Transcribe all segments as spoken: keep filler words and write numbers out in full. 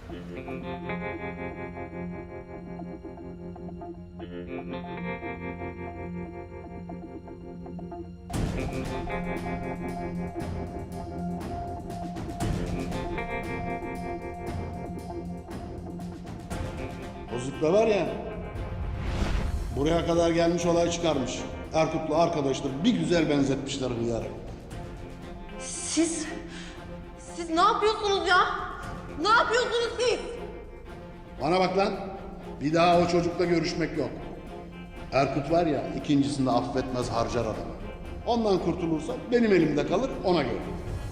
O züppe var ya, buraya kadar gelmiş olay çıkarmış. Erkut'la arkadaşlar bir güzel benzetmişler hıyarı. Siz, siz ne yapıyorsunuz ya? Ne yapıyorsunuz siz? Bana bak lan, bir daha o çocukla görüşmek yok. Erkut var ya, ikincisinde affetmez, harcar adamı. Ondan kurtulursa benim elimde kalır, ona göre.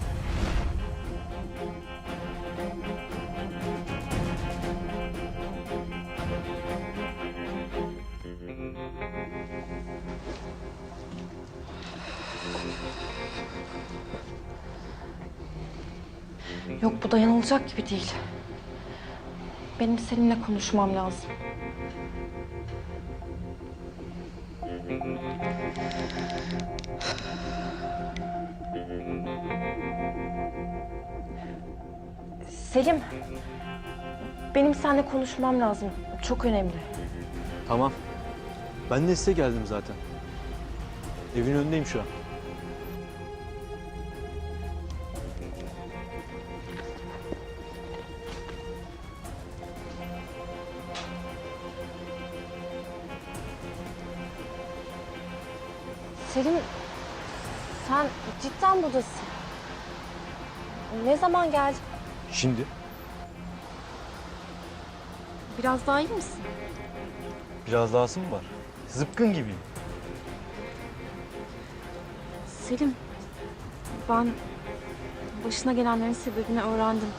Yok, bu dayanılacak gibi değil. Benim seninle konuşmam lazım. Selim, benim seninle konuşmam lazım. Çok önemli. Tamam. Ben de size geldim zaten. Evin önündeyim şu an. Selim, sen cidden buradasın. Ne zaman geldin? Şimdi? Biraz daha iyi misin? Biraz dahası mı var? Zıpkın gibiyim. Selim, ben başına gelenlerin sebebini öğrendim.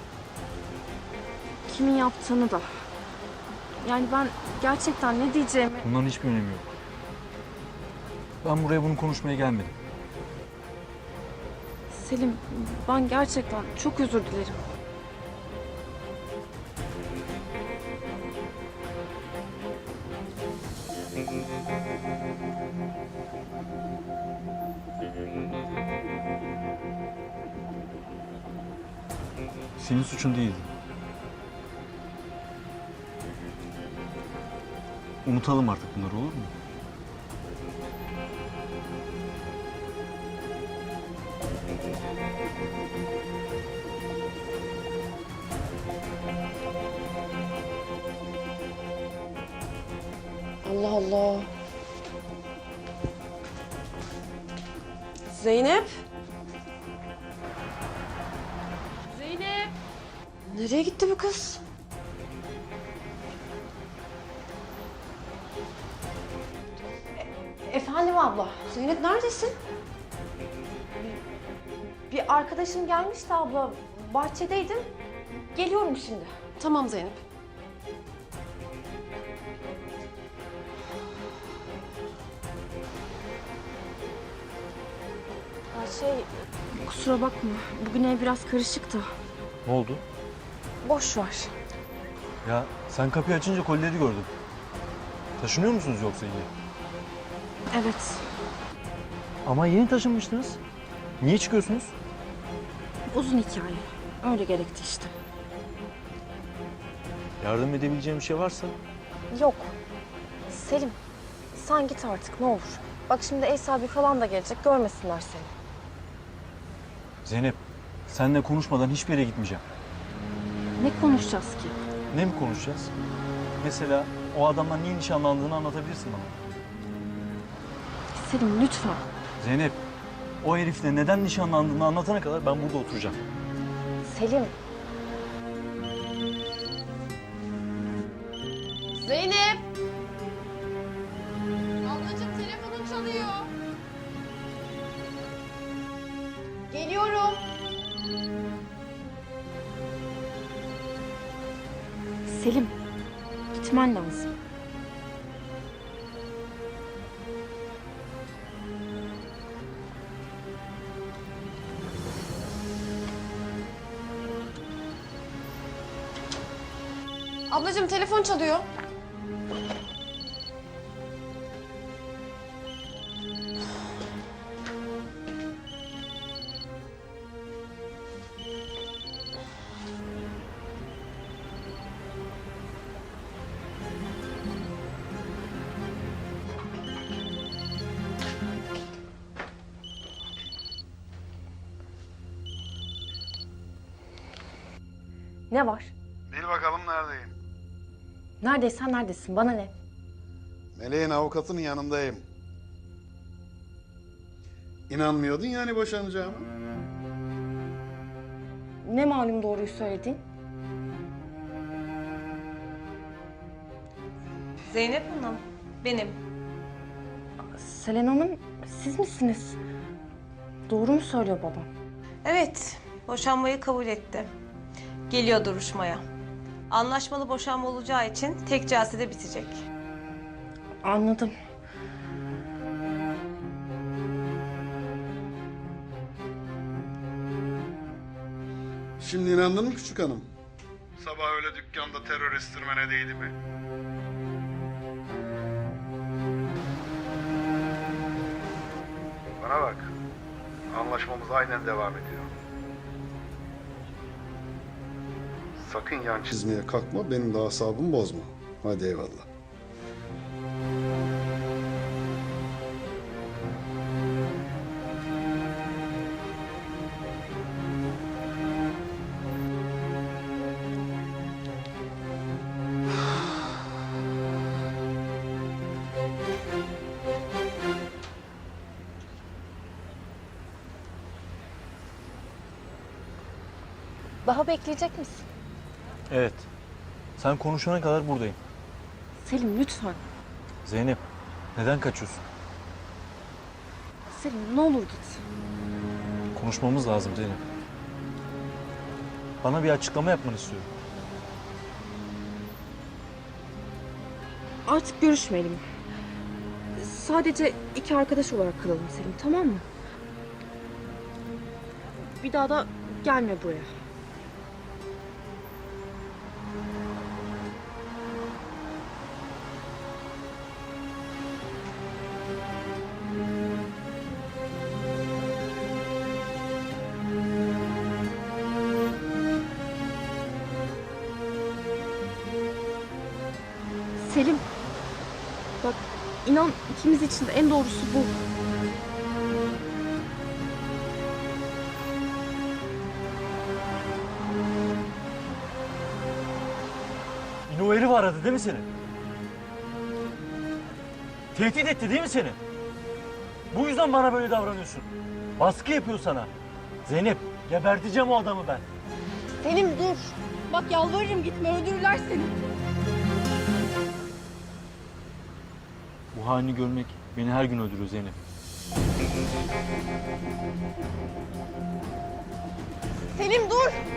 Kimin yaptığını da. Yani ben gerçekten ne diyeceğimi... Bunların hiçbir önemi yok. Ben buraya bunu konuşmaya gelmedim. Selim, ben gerçekten çok özür dilerim. Senin suçun değildi. Unutalım artık bunları, olur mu? Allah Allah. Zeynep. Zeynep. Nereye gitti bu kız? E- efendim abla. Zeynep neredesin? Bir, bir arkadaşım gelmişti abla. Bahçedeydim. Geliyorum şimdi. Tamam Zeynep. Ya şey, kusura bakma. Bugün ev biraz karışık da. Ne oldu? Boş ver. Ya sen kapıyı açınca kolileri gördüm. Taşınıyor musunuz yoksa yine? Evet. Ama yeni taşınmıştınız. Niye çıkıyorsunuz? Uzun hikaye. Öyle gerekti işte. Yardım edebileceğim bir şey varsa. Yok. Selim, sen git artık ne olur. Bak şimdi ev sahibi falan da gelecek. Görmesinler seni. Zeynep, seninle konuşmadan hiçbir yere gitmeyeceğim. Ne konuşacağız ki? Ne mi konuşacağız? Mesela o adamla niye nişanlandığını anlatabilirsin bana. Selim lütfen. Zeynep, o herifle neden nişanlandığını anlatana kadar ben burada oturacağım. Selim. Zeynep. Ablacığım telefonun çalıyor. Geliyorum. Selim, gitmen lazım. Ablacığım telefon çalıyor. Ne var? Bil bakalım neredeyim. Neredeysen neredesin? Bana ne? Meleğin avukatının yanındayım. İnanmıyordun yani boşanacağıma. Ne malum doğruyu söyledin? Zeynep Hanım, benim. Selen Hanım, siz misiniz? Doğru mu söylüyor babam? Evet, boşanmayı kabul etti. Geliyor duruşmaya. Anlaşmalı boşanma olacağı için tek celsede bitecek. Anladım. Şimdi inandın mı küçük hanım? Sabah öyle dükkanda terör estirmene değdi mi? Bana bak. Anlaşmamız aynen devam ediyor. Sakın yan çizmeye kalkma, benim de asabımı bozma. Hadi eyvallah. Daha bekleyecek misin? Evet. Sen konuşana kadar buradayım. Selim lütfen. Zeynep, neden kaçıyorsun? Selim ne olur git. Konuşmamız lazım Zeynep. Bana bir açıklama yapmanı istiyorum. Artık görüşmeyelim. Sadece iki arkadaş olarak kalalım Selim, tamam mı? Bir daha da gelme buraya. Selim, bak inan ikimiz için de en doğrusu bu. Yine o herif aradı değil mi seni? Tehdit etti değil mi seni? Bu yüzden bana böyle davranıyorsun. Baskı yapıyor sana. Zeynep, geberteceğim o adamı ben. Selim dur. Bak yalvarırım gitme, öldürürler seni. Bu halini görmek beni her gün öldürüyor Zeynep. Selim dur.